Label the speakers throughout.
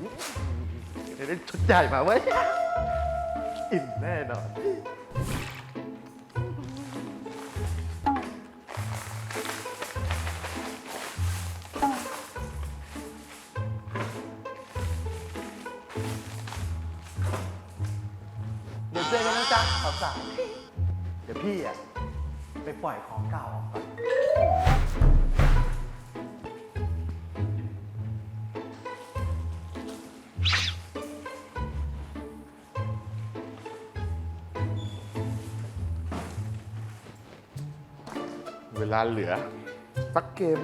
Speaker 1: เดี๋ยวได้ชุดใหญ่มาเว้ยอิ่มแน่นอนเดี๋ยวเจอกันนะจ๊ะสาวๆเดี๋ยวพี่อ่ะไปปล่อยของเก่าออกก่อนเวลาเหลือสักเกม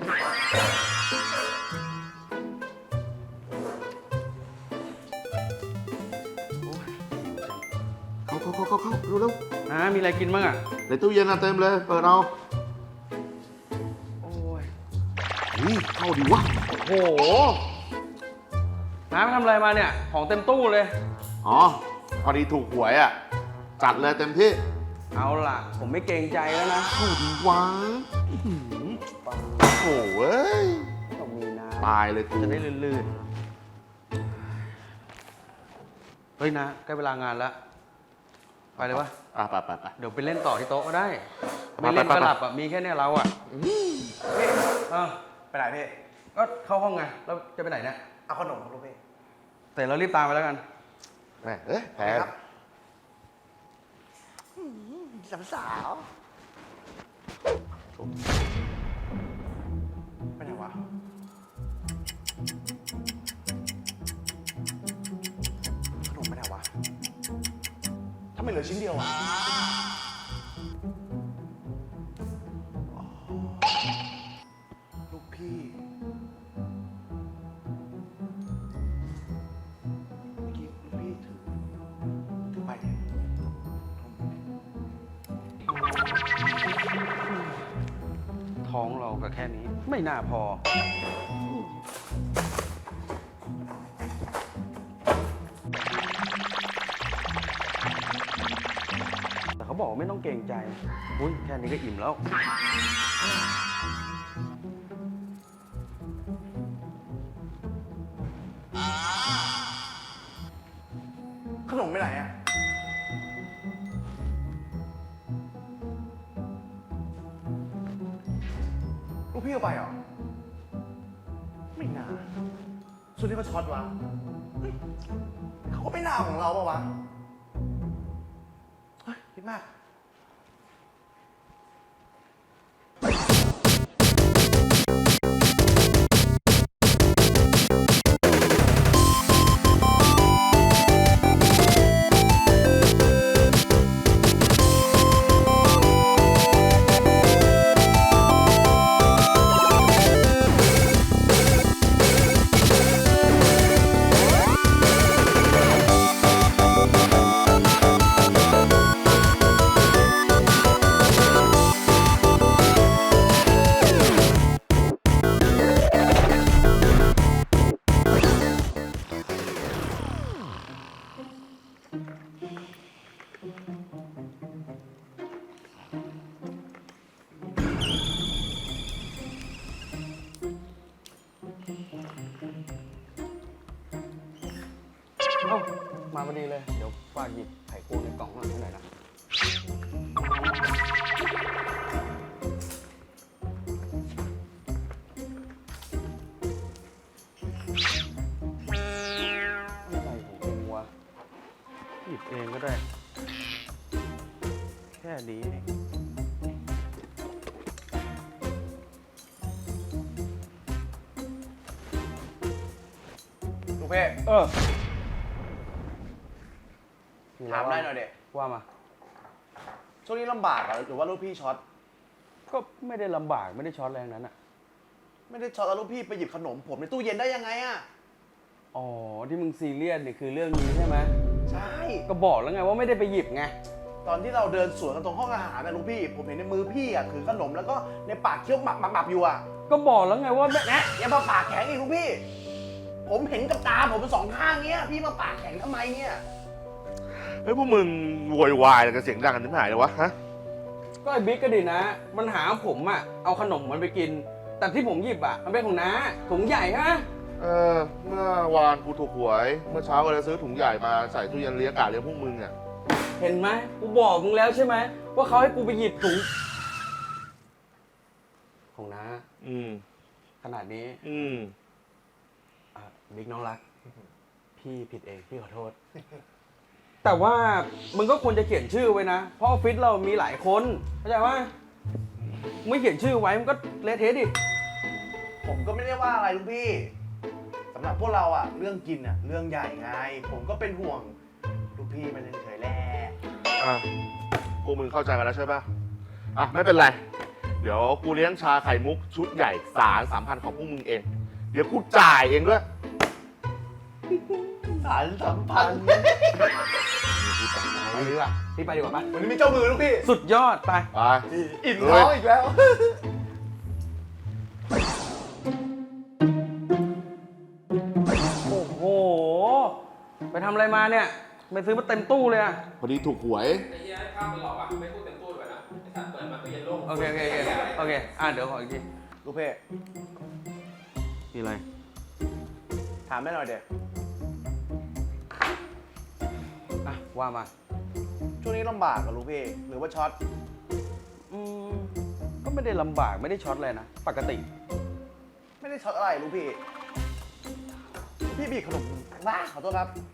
Speaker 1: เข้าเร็ว
Speaker 2: มีอะไรกินบ้างอ่ะ
Speaker 1: ในตู้เย็นเต็มเลยเปิดเอา
Speaker 2: โอ้ย
Speaker 1: เข้าดีวะ
Speaker 2: โอ้โหน้าไปทำอะไรมาเนี่ยของเต็มตู้เลย
Speaker 1: อ๋อพอดีถูกหวยอ่ะจัดเลยเต็มที่
Speaker 2: เอาล่ะผมไม่เกรงใจแล้วนะ
Speaker 1: เข้าดีวะโอ้ย
Speaker 2: ต้องมีน้
Speaker 1: ำตายเลย
Speaker 2: จะได้ลื่นๆเฮ้ยนะใกล้เวลางานแล้วไปเลยวะ
Speaker 1: ไป
Speaker 2: เดี๋ยวไปเล่นต่อที่โต๊ะก็ได้ไม่เล่นก็หลับอ่ะมีแค่เนี้ยเราอ่ะพี่
Speaker 3: ไปไหนพี่
Speaker 2: ก็เข้าห้องไงแล้วจะไปไหนเนี่ย
Speaker 3: เอาขนมครับลูกพี่
Speaker 2: แต่เรารีบตามไปแล้วกัน
Speaker 1: แพ้
Speaker 3: ครับสาวไปไหนวะขนมไปไหนวะทำไมเหลือชิ้นเดียวอะลูกพี่เมื่อกี้ลูกพี่ถือไปเนี่ย
Speaker 2: ท้องเราก็แค่นี้ไม่น่าพอแต่เขาบอกไม่ต้องเกรงใจอุ้ยแค่นี้ก็อิ่มแล้ว
Speaker 3: ขนมไปไหนอะลูกพี่เอาไปเหรอไม่น่าส่วนนี้เขาช็อตวะเขาก็ไม่น่าของเราปะวะเฮ้ยคิดมาก
Speaker 2: มาพอดีเลยเดี๋ยวฝากหยิบไข่กุ้งในกล่องข้างหลังให้หน่อยนะอะไรของมึงวะหยิบเองก็ได้แค่นี้เอง
Speaker 3: ลูกพี่ถามได้หน่อยเด็ก
Speaker 2: ว่ามา
Speaker 3: ช่วงนี้ลำบากหรือว่าลูกพี่ช็อต
Speaker 2: ก็ไม่ได้ลำบากไม่ได้ช็อตแรงนั้นอ่ะ
Speaker 3: ไม่ได้ช็อตแล้วลูกพี่ไปหยิบขนมผมในตู้เย็นได้ยังไงอะ
Speaker 2: อ๋อที่มึงซีเรียสนี่คือเรื่องนี้ใช่ไหม
Speaker 3: ใช่
Speaker 2: ก็บอกแล้วไงว่าไม่ได้ไปหยิบไง
Speaker 3: ตอนที่เราเดินสวนกันตรงห้องอาหารนะลูกพี่ผมเห็นในมือพี่อะถือขนมแล้วก็ในปากเคี้ยวหมับอยู่อะ
Speaker 2: ก็บอกแล้วไงว่า
Speaker 3: แนะอย่ามาปากแข็งอีกลูกพี่ผมเห็นกับตาผมเป็นสองข้างเนี้ยพี่มาปากแข็งทำไมเนี่ย
Speaker 1: เฮ้ยพวกมึงโวยวายกันเสียงดังกันที่ไหนเลยวะฮะ
Speaker 2: ก็ไอ้บิ๊กก็ดีนะมันหาผมอะเอาขนมมันไปกินแต่ที่ผมหยิบอะมันเป็นของน้าถุงใหญ่ฮะ
Speaker 4: เมื่อวานกูถูกหวย เมื่อเช้าก็เลยซื้อถุงใหญ่มาใส่ตู้เย็นเลี้ยงกาเลี้ยงพวกมึงอ่ะ
Speaker 2: เห็นไหมกูบอกมึงแล้วใช่ไหมว่าเขาให้กูไปหยิบถุงของน้า
Speaker 4: อืม
Speaker 2: ขนาดนี้
Speaker 4: อืม
Speaker 2: อ่ะบิ๊กน้องรัก พี่ผิดเองพี่ขอโทษ แต่ว่ามึงก็ควรจะเขียนชื่อไว้นะ เพราะออฟฟิศเรามีหลายคนเข้าใจว่าไม่เขียนชื่อไว้มันก็เละเทะดิ
Speaker 3: ผมก็ไม่ได้ว่าอะไรลูกพี่สำหรับพวกเราอะเรื่องกินอะเรื่องใหญ่ไง ผมก็เป็นห่วงลูกพี่มันเฉยๆแหละ
Speaker 4: อ่ะพวกมึงเข้าใจกันแล้วใช่ปะอ่ะไม่เป็นไร เดี๋ยวกูเลี้ยงชาไข่มุกชุดใหญ่3,000ของพวกมึงเอง เดี๋ยวกูจ่ายเองด้วย
Speaker 3: สารสัมพันธ์
Speaker 2: ไปดีกว่าพี่ไปดีกว่าปะ
Speaker 3: วันนี้มีเจ้ามือลูกพี่
Speaker 2: สุดยอดไป
Speaker 4: ไป
Speaker 3: อิ่มท้องอีกแล้ว
Speaker 2: โอ้โห ไปทำอะไรมาเนี่ย ไปซื้อมาเต็มตู้เลยอะ
Speaker 4: พอดีถูกหวย
Speaker 5: ไอ้เหี้ยให้ภาพมันหลอกอ่ะ ไม่พูดเต็มตู้ด้วยนะไอ้สัตว์เปิดมาตู้เย็นโล่ง
Speaker 2: โอเคโอเคเดี๋ยวขออีกที
Speaker 3: ลูกพี่
Speaker 2: มีอะไร
Speaker 3: ถามแม่หน่อยเด็ก
Speaker 2: อ่ะว่ามา
Speaker 3: ช่วงนี้ลำบากกับลูกพี่ หรือว่าช็อต
Speaker 2: อืมก็ไม่ได้ลำบากไม่ได้ช็อตเลยนะ ปกติ
Speaker 3: ไม่ได้ช็อตอะไรลูกพี่ พี่บีบขนมบ้าขอโทษครับ